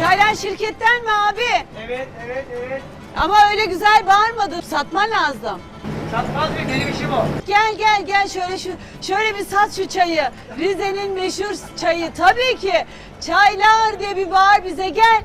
Çaylar şirketten mi abi? Evet. Ama öyle güzel bağırmadın. Satman lazım. Satmaz mı? Benim işim o. Gel şöyle bir sat şu çayı. Rize'nin meşhur çayı tabii ki. Çaylar diye bir bağır bize gel.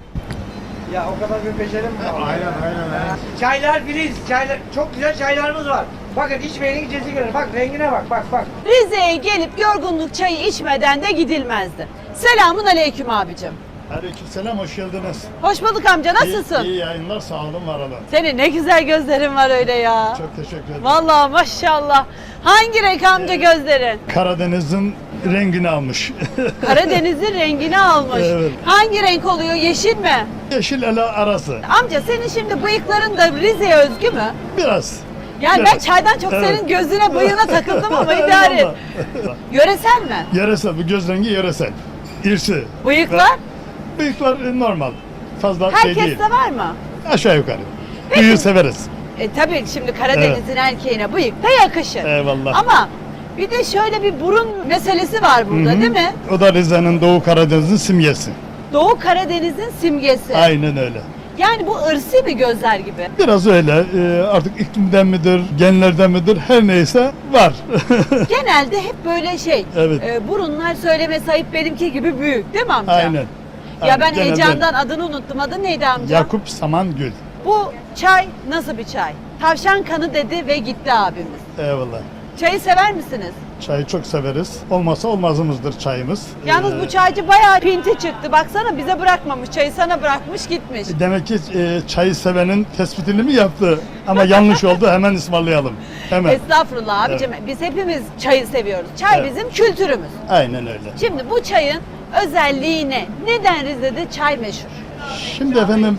Ya o kadar bir becerim mi var? Aynen. Çaylar filiz. Çaylar, çok güzel çaylarımız var. Bakın içmeyenin cesi görür. Bak rengine bak. Rize'ye gelip yorgunluk çayı içmeden de gidilmezdi. Selamun aleyküm abicim. Aleykümselam, hoş geldiniz. Hoş bulduk amca, nasılsın? İyi yayınlar, sağ olun, var olun. Senin ne güzel gözlerin var öyle ya. Çok teşekkür ederim. Vallahi maşallah. Hangi renk amca gözlerin? Karadeniz'in rengini almış. Karadeniz'in rengini almış. Evet. Hangi renk oluyor? Yeşil mi? Yeşil ele arası. Amca senin şimdi bıyıkların da Rize'ye özgü mü? Biraz. Yani ben Biraz. çaydan çok Evet. senin gözüne bıyığına takıldım ama idare et. Eyvallah. Yöresel mi? Yöresel, bu göz rengi yöresel. İrsi. Bıyıklar? Bıyıklar normal. Fazla şey değil. Herkeste var mı? Aşağı yukarı. Büyüğü severiz. Tabii şimdi Karadeniz'in erkeğine bıyık da yakışır. Eyvallah. Ama bir de şöyle bir burun meselesi var burada Hı hı. değil mi? O da Rize'nin, Doğu Karadeniz'in simgesi. Doğu Karadeniz'in simgesi. Aynen öyle. Yani bu ırsi bir gözler gibi. Biraz öyle. Artık iklimden midir, genlerden midir, her neyse var. Genelde hep böyle şey. Evet. Burunlar söyleme sahip benimki gibi büyük değil mi amca? Aynen. Ya Aynen. ben Genelde heyecandan adını unuttum. Adı neydi amca? Yakup Samangül. Bu çay nasıl bir çay? Tavşan kanı dedi ve gitti abimiz. Eyvallah. Çayı sever misiniz? Çayı çok severiz. Olmazsa olmazımızdır çayımız. Yalnız bu çaycı bayağı pinti çıktı. Baksana bize bırakmamış. Çayı sana bırakmış gitmiş. Demek ki çayı sevenin tespitini mi yaptı? Ama yanlış oldu, hemen ısmarlayalım. Hemen. Estağfurullah abicim. Biz hepimiz çayı seviyoruz. Çay Evet. bizim kültürümüz. Aynen öyle. Şimdi bu çayın özelliği ne? Neden Rize'de çay meşhur? Şimdi efendim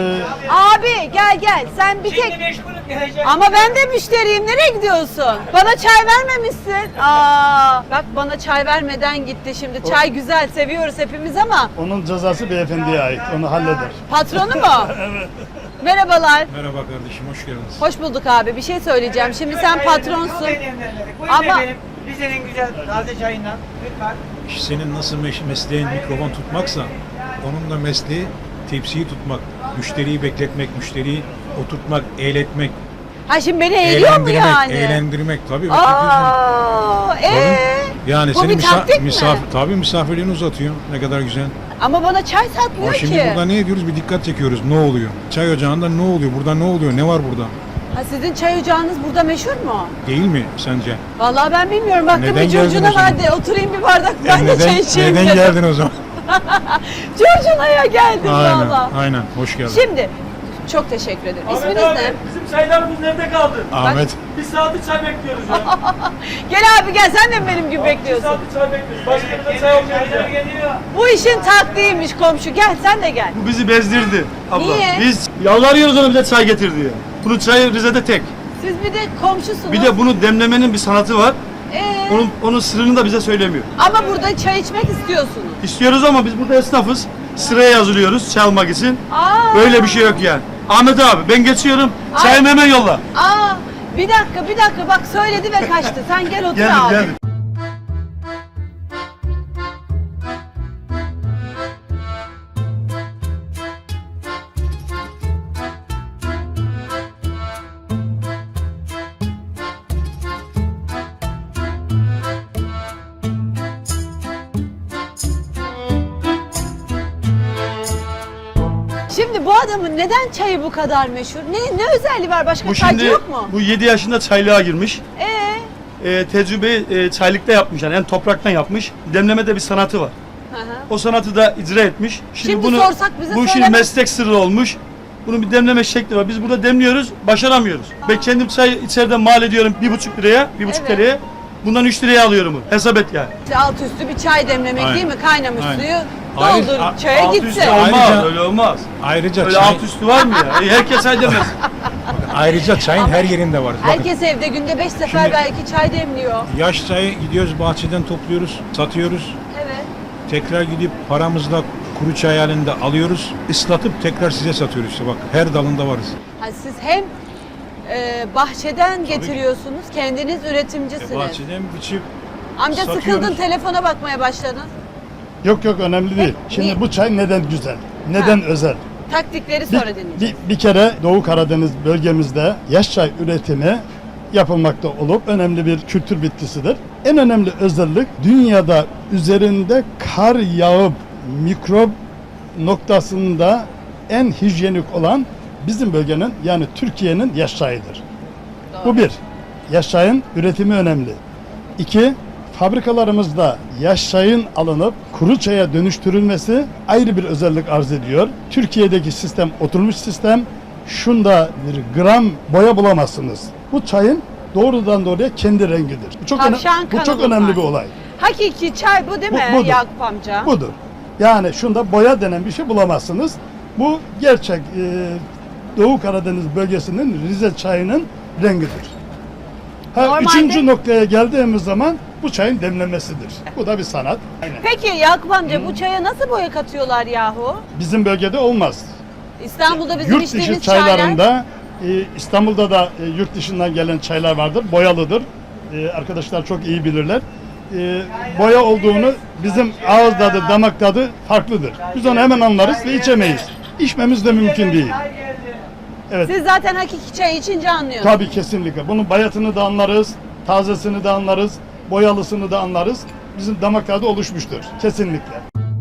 Abi gel. Sen bir tek... Şimdi meşgulüm geleceğim. Ama ben de müşteriyim. Nereye gidiyorsun? Bana çay vermemişsin. Bak bana çay vermeden gitti şimdi. Çay güzel, seviyoruz hepimiz ama onun cezası beyefendiye ait. Onu halleder. patronu mu? Evet. Merhabalar. Merhaba kardeşim, hoş geldiniz. Hoş bulduk abi. Bir şey söyleyeceğim. Şimdi sen patronsun. Buyurun Ama- efendim. Rize'nin güzel taze çayından. Lütfen. Senin nasıl mesleğin mikrofon tutmaksa, onun da mesleği tepsiyi tutmak, müşteriyi bekletmek, müşteriyi oturtmak, eğletmek, Ha şimdi beni eğliyor mu yani? eğlendirmek tabii. Aa, Yani Bu senin bir taktik mi? tabii misafirliğini uzatıyor. Ne kadar güzel. Ama bana çay satmıyor Ama ki. şimdi burada ne ediyoruz? Bir dikkat çekiyoruz. Ne oluyor? Çay ocağında ne oluyor? Burada ne oluyor? Ne var burada? Ha sizin çay ocağınız burada meşhur mu? Değil mi sence? Vallahi ben bilmiyorum. Baktım Neden bir geldin curcuna o zaman? vardı. Oturayım bir bardak ben de çay içeyim neden dedim. geldin o zaman? Curcuna'ya geldim Aynen, valla. aynen. Hoş geldin. Şimdi çok teşekkür ederim. İsminiz Ahmet abi, ne? bizim çaylarımız nerede kaldı? Ahmet. Bir saattir çay bekliyoruz ya. Gel abi gel sen de mi benim gibi Bir bekliyorsun? saattir çay bekliyoruz. Başka bir de çay olmuyor Çaylar ya. geliyor. Bu işin taktiğiymiş komşu. Gel sen de gel. Bu bizi bezdirdi abla. Niye? Biz yalvarıyoruz ona bize çay getir diye. Bunun çayı Rize'de tek. Siz bir de komşusunuz. Bir de bunu demlemenin bir sanatı var. Ee, Onun sırrını da bize söylemiyor. ama burada çay içmek istiyorsunuz. İstiyoruz ama biz burada esnafız. Sıraya yazılıyoruz çay almak için. Aa, Böyle bir şey yok yani. Ahmet abi ben geçiyorum. Çayımı hemen yolla. Bir dakika bak söyledi ve kaçtı. Sen gel otur Geldim abi. geldim. Şimdi bu adamın neden çayı bu kadar meşhur? Ne özelliği var? Başka Bu çaycı şimdi yok mu? bu 7 yaşında çaylığa girmiş. Ee? Tecrübeyi çaylıkta yapmış yani topraktan yapmış. Demlemede bir sanatı var. Hı hı. O sanatı da icra etmiş. Şimdi sorsak bize bu şimdi söylemez. meslek sırrı olmuş. Bunun bir demleme şekli var. Biz burada demliyoruz, başaramıyoruz. Ben kendim çay içeriden mal ediyorum 1,5 liraya, 1,5 Evet. liraya. Bundan 3 liraya alıyorum bunu. Hesap et yani. İşte alt üstü bir çay demlemek Aynen. değil mi? Kaynamış Aynen. suyu Ayrıca- doldur çaya Alt gitsin. üstü olmaz, Ayrıca- öyle olmaz. Ayrıca Öyle çay, alt üstü var mı ya? Herkes çay demez. ayrıca çayın her yerinde var. Bakın, Herkes evde günde 5 sefer Şimdi- belki çay demliyor. yaş çayı gidiyoruz bahçeden topluyoruz, satıyoruz. Evet. Tekrar gidip paramızla kuru çay halinde alıyoruz. Islatıp tekrar size satıyoruz işte bak. Her dalında varız. Ha, siz hem bahçeden getiriyorsunuz, kendiniz üretimcisiniz. Bahçeden biçip Amca satıyoruz. sıkıldın telefona bakmaya başladın. Yok önemli değil. Şimdi niye? bu çay neden güzel? Neden Ha. özel? Taktikleri sonra dinleyeceğiz. Bir kere Doğu Karadeniz bölgemizde yaş çay üretimi yapılmakta olup önemli bir kültür bitkisidir. En önemli özellik dünyada üzerinde kar yağıp mikrop noktasında en hijyenik olan bizim bölgenin yani Türkiye'nin yaş çayıdır. Bu bir. Yaş çayın üretimi önemli. İki, fabrikalarımızda yaş çayın alınıp kuru çaya dönüştürülmesi ayrı bir özellik arz ediyor. Türkiye'deki sistem oturmuş sistem. Şunda bir gram boya bulamazsınız. Bu çayın doğrudan doğruya kendi rengidir. Bu çok, Tavşan bu çok kanı önemli bunlar. bir olay. Hakiki çay bu değil mi Budur. Yakup amca? Budur. Yani şunda boya denen bir şey bulamazsınız. Bu gerçek Doğu Karadeniz bölgesinin Rize çayının rengidir. Normalde- Üçüncü noktaya geldiğimiz zaman bu çayın demlemesidir. Bu da bir sanat. Aynen. Peki Yakup amca bu çaya nasıl boya katıyorlar yahu? Bizim bölgede olmaz. İstanbul'da bizim Yurt dışı içtiğimiz çaylar. çaylarında İstanbul'da da yurt dışından gelen çaylar vardır. Boyalıdır. Arkadaşlar çok iyi bilirler. Boya olduğunu bizim ağız tadı, damak tadı farklıdır. Biz onu hemen anlarız ve içemeyiz. İçmemiz de mümkün değil. Evet. Siz zaten hakiki çay içince anlıyorsunuz. Tabii kesinlikle. Bunun bayatını da anlarız, tazesini de anlarız, boyalısını da anlarız. Bizim damak tadı oluşmuştur. Kesinlikle.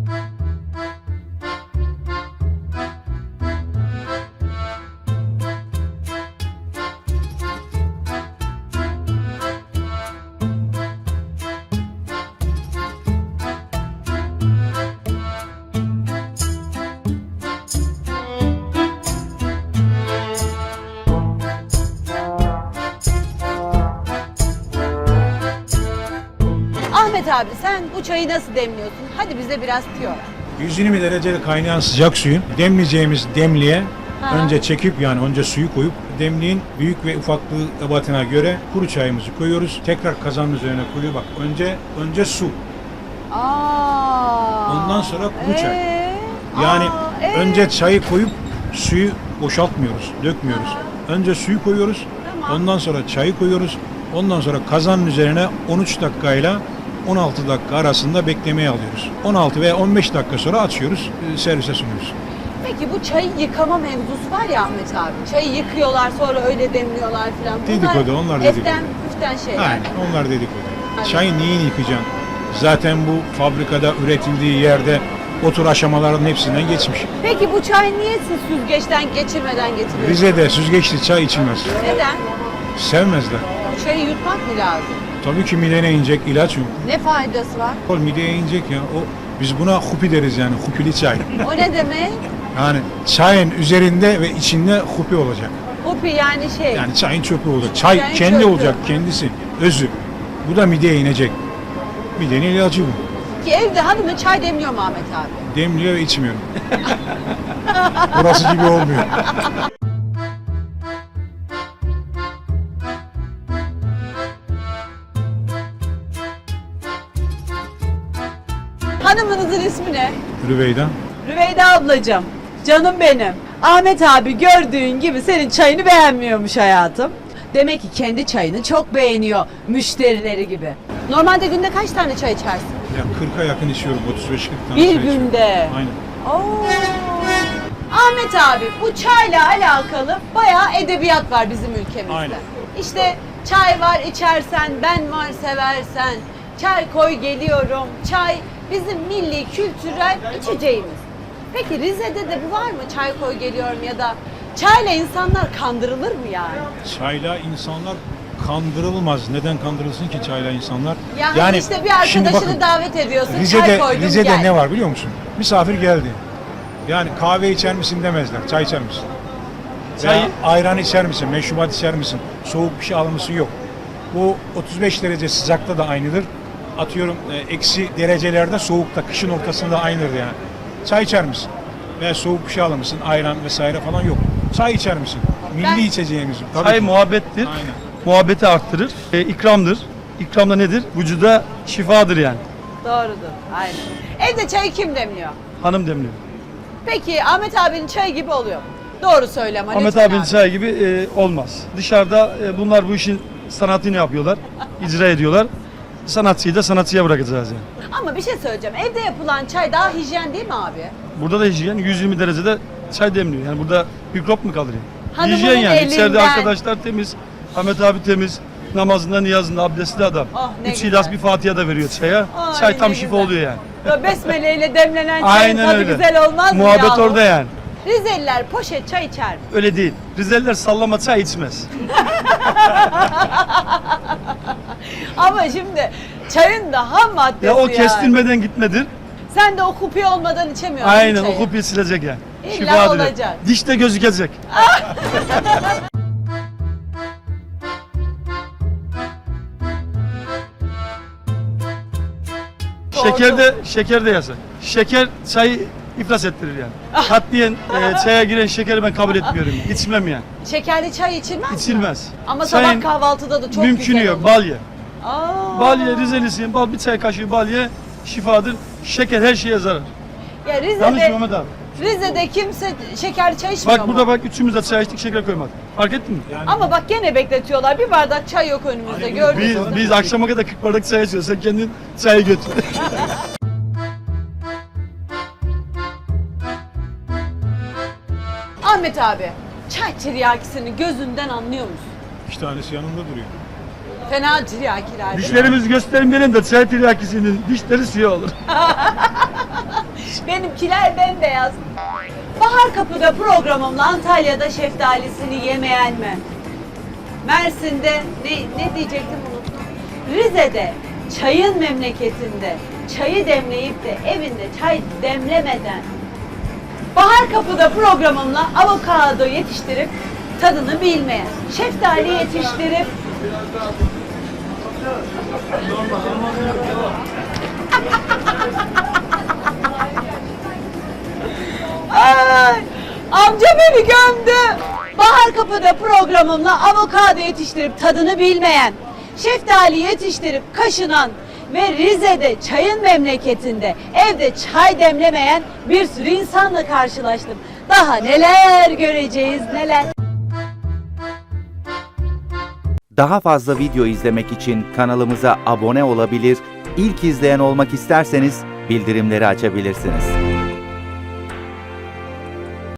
Ahmet abi sen bu çayı nasıl demliyorsun? Hadi bize biraz tüyo ver. 120 derecede kaynayan sıcak suyun demleyeceğimiz demliğe Ha. önce çekip yani önce suyu koyup demliğin büyük ve ufaklığı ebatına göre kuru çayımızı koyuyoruz. Tekrar kazanın üzerine koyuyor. Bak önce su. Aa. Ondan sonra kuru çay. Ee? Yani Aa, önce çayı koyup suyu boşaltmıyoruz, dökmüyoruz. Önce suyu koyuyoruz. Tamam. Ondan sonra çayı koyuyoruz. Ondan sonra kazanın üzerine 13 dakikayla 16 dakika arasında beklemeye alıyoruz. 16 veya 15 dakika sonra açıyoruz, servise sunuyoruz. Peki bu çayı yıkama mevzusu var ya Ahmet abi. Çayı yıkıyorlar sonra öyle demliyorlar falan. Dedikodu, onlar dedikodu. Eften püften şeyler. Aynen, onlar dedikodu. Aynen. Çayı neyini yıkacaksın? Zaten bu fabrikada üretildiği yerde o tür aşamaların hepsinden geçmiş. Peki bu çay niye siz süzgeçten geçirmeden getiriyorsunuz? Rize'de süzgeçli çay içilmez. Neden? Sevmezler. Bu çayı yutmak mı lazım? Tabii ki midene inecek ilaç yok. Ne faydası var? Kol mideye inecek ya. Biz buna hupi deriz yani, hupili çay. O ne demek? Yani çayın üzerinde ve içinde hupi olacak. Hopi yani şey. Yani çayın çöpü olacak. Çay Çayın kendi çöpü. olacak, kendisi, özü. Bu da mideye inecek. Midenin ilacı bu. Ki evde hanımı çay demliyor mu Ahmet abi? Demliyor ve içmiyorum. Burası gibi olmuyor. Hanımınızın ismi ne? Rüveyda. Rüveyda ablacığım. Canım benim. Ahmet abi gördüğün gibi senin çayını beğenmiyormuş hayatım. Demek ki kendi çayını çok beğeniyor müşterileri gibi. Normalde günde kaç tane çay içersin? Ya 40'a yakın içiyorum, 35-40 tane Bir çay içiyorum. günde. Aynen. Oo. Ahmet abi bu çayla alakalı bayağı edebiyat var bizim ülkemizde. Aynen. İşte çay var içersen, ben var seversen, çay koy geliyorum. Çay bizim milli kültürel içeceğimiz. Peki Rize'de de bu var mı? Çay koy geliyorum ya da çayla insanlar kandırılır mı yani? Çayla insanlar kandırılmaz. Neden kandırılsın ki çayla insanlar? Yani, işte bir şimdi arkadaşını bakın, davet ediyorsun, çay koydum Rize'de gel. ne var biliyor musun? Misafir geldi. Yani kahve içer misin demezler. Çay içer misin? Çay- Veya ayran içer misin? Meşrubat içer misin? Soğuk bir şey alır mısın? Yok. Bu 35 derece sıcakta da aynıdır. Atıyorum eksi derecelerde soğukta, kışın ortasında aynıdır yani. Çay içer misin? Veya soğuk bir şey alır mısın? Ayran vesaire falan yok. Çay içer misin? Milli Ben- içeceğimiz. Tabii Çay ki. muhabbettir. Aynen. Muhabbeti arttırır. İkramdır. İkram da nedir? Vücuda şifadır yani. Doğrudur, aynen. Evde çayı kim demliyor? Hanım demliyor. Peki Ahmet abinin çayı gibi oluyor mu? Doğru söyle ama Ahmet lütfen abinin abi. çayı gibi olmaz. Dışarıda bunlar bu işin sanatını yapıyorlar. İcra ediyorlar. sanatçıyı da sanatçıya bırakacağız yani. Ama bir şey söyleyeceğim. Evde yapılan çay daha hijyen değil mi abi? Burada da hijyen 120 derecede çay demliyor. Yani burada mikrop mu kalır yani? Hanımının Hijyen yani. İçeride elinden. arkadaşlar temiz. Ahmet abi temiz. Namazında, niyazında, abdestli adam. Oh, ne 3 güzel. ilas bir Fatiha da veriyor çaya. Ay, Çay tam ne şifa güzel. oluyor yani. Böyle besmele ile demlenen çayın Aynen tadı öyle. güzel olmaz mı Muhabbet yahu? orada yani. Rizeliler poşet çay içer mi? Öyle değil. Rizeliler sallama çay içmez. Ama şimdi çayın da ham maddesi Ya o yani. kestirmeden gitmedir. Sen de o kupi olmadan içemiyorsun Aynen çayı. o kopya silecek yani. İlla Şifadır. olacak. Dişte gözükecek. Şeker de yasak. Şeker çayı iflas ettirir yani. Katliyen çaya giren şekeri ben kabul etmiyorum. İçmem yani. Şekerli çay içilmez mi? İçilmez. Ama Çayın sabah kahvaltıda da çok mümkünü güzel yok. olur. Bal ye. Aa. Bal ye, Rizelisiyim. Bal bir çay kaşığı bal ye. Şifadır. Şeker her şeye zarar. Ya Yanlış Rize'de, Mehmet abi. Rize'de kimse şekerli çay içmiyor Bak mu? burada bak üçümüz de çay içtik şeker koymadık. Fark ettin mi? Ama bak gene bekletiyorlar. Bir bardak çay yok önümüzde gördünüz mü? Biz akşama kadar 40 bardak çay içiyoruz. Sen kendin çayı götür. Ahmet abi, çay tiryakisini gözünden anlıyor musun? 2 tanesi yanında duruyor. Fena tiryakiler değil mi? Dişlerimizi göstermeyelim de çay tiryakisinin dişleri siyah olur. Benimkiler bembeyaz. Bahar Kapı'da programımla Antalya'da şeftalisini yemeyen mi? Mersin'de ne diyecektim unuttum. Rize'de çayın memleketinde çayı demleyip de evinde çay demlemeden Bahar Kapı'da programımla avokado yetiştirip tadını bilmeyen, şeftali yetiştirip Ay, amca beni gömdü. Bahar Kapı'da programımla avokado yetiştirip tadını bilmeyen, şeftali yetiştirip kaşınan ve Rize'de çayın memleketinde evde çay demlemeyen bir sürü insanla karşılaştım. Daha neler göreceğiz neler. Daha fazla video izlemek için kanalımıza abone olabilir, ilk izleyen olmak isterseniz bildirimleri açabilirsiniz.